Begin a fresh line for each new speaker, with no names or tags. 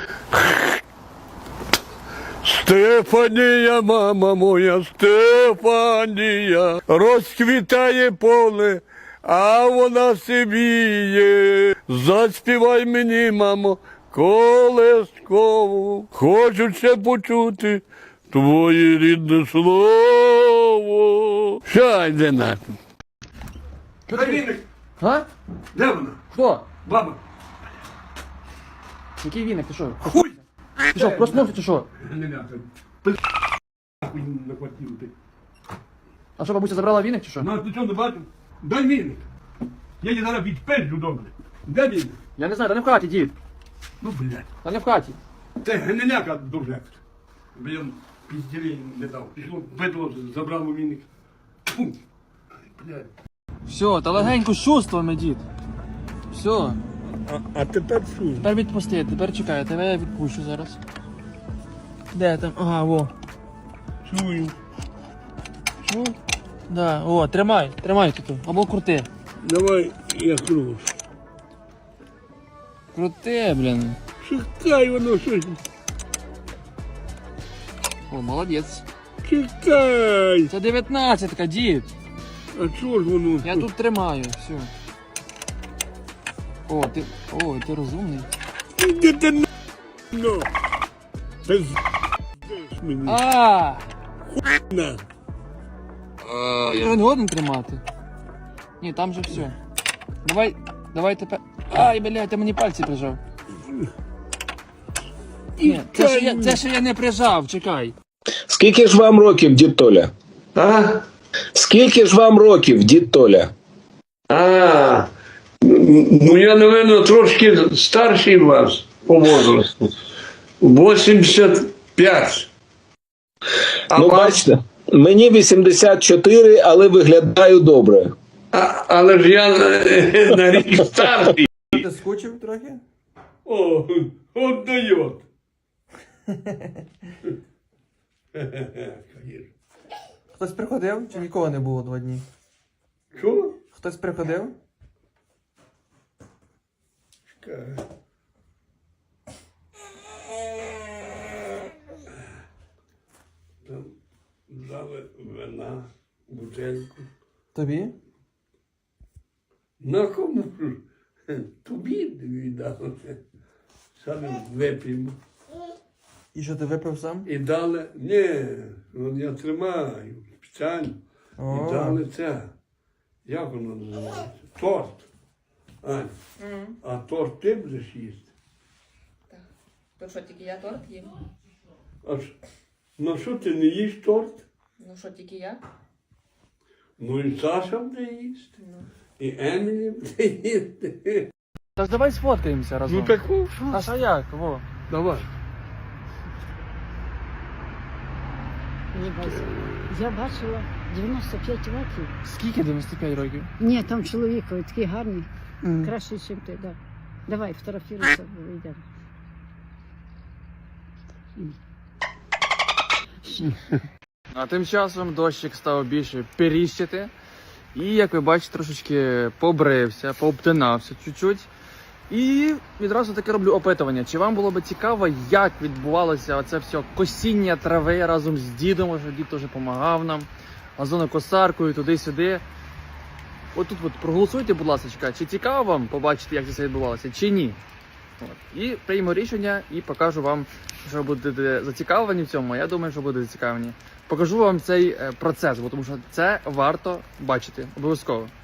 Стефанія, мама моя, Стефанія, розквітає поле, а вона сивіє. Заспівай мені, мамо, колескову, хочу ще почути твоє рідне слово. Що йде нахуй?
Дай віник.
А?
Де вона?
Хто?
Баба.
Який віник, ти що?
Хуй!
Ти що, проснувся чи що?
Не ляка. Нахуй на квартиру ти.
А що, бабуся забрала віник чи що?
Ну, ти чого не бачив? Дай віник. Я її зараз відпеджу добре. Де віник?
Я не знаю, та не в хаті, дід.
Ну, блядь.
Та не в хаті.
Це гниляка дуже. Блін, пізділі не дав. Пішло, бидло, забрало віник. Фу. Блядь.
Все, та легенько з чувствами, дід. Все.
А тепер що?
Тепер відпусти, тепер чекай, тебе я відпущу зараз. Де там? Ага, во.
Чую.
Чув? Да, о, тримай тут. Або крути.
Давай, я круг.
Крути, блін.
Чекай воно щось.
О, молодець.
Чекай.
Це 19-ка, дід.
А чого ж воно?
Я тут тримаю, все. О, ти розумний.
Іди ти на. Ти мені.
А!
На.
Я не годен тримати. Ні, там же все. Давай тепер. Ай, блядь, ти мені пальці прижав. Ні, це ще я не прижав, чекай.
Скільки ж вам років, дід Толя?
А?
Скільки ж вам років, дід Толя?
А, ну я, напевно, трошки старший вас по возрасту. 85. А
Ну,
вас?
бачите, мені 84, але виглядаю добре.
Але ж я на рік старший.
Ти скучив трохи?
О, от дает.
Хтось приходив чи нікого не було 2 дні?
Що?
Хтось приходив?
Там дали вина, бутельку.
Тобі?
На кому ж? Тобі віддали. Саме вип'ємо.
І що ти випив сам?
І дали, ні, ну я тримаю спеціально.
О.
І дали це. Як воно називається? Торт. Ань, а торт ти будеш їсти?
То що, тільки я торт їм?
А ну що ти не їш торт?
Ну що, тільки я?
Ну і Саша буде їсти. І Емілі буде їсти.
Та ж давай сфоткаємося разом.
Ну таку.
А що як? Во.
Давай.
Ні, Вася, я бачила 95 років.
Скільки 95 років?
Ні, там чоловік такий гарний, кращий, ніж ти, да. Давай, фотографіруйся, вийдемо.
А тим часом дощик став більше періщити. І, як ви бачите, трошечки побрився, пообтинався чуть-чуть. І відразу таке роблю опитування. Чи вам було б цікаво, як відбувалося оце все косіння трави разом з дідом, що дід теж допомагав нам, газонокосаркою, туди-сюди. Отут от проголосуйте, будь ласка, чи цікаво вам побачити, як це все відбувалося, чи ні. От. І прийму рішення і покажу вам, що будете зацікавлені в цьому. Я думаю, що будете зацікавлені. Покажу вам цей процес, бо тому що це варто бачити обов'язково.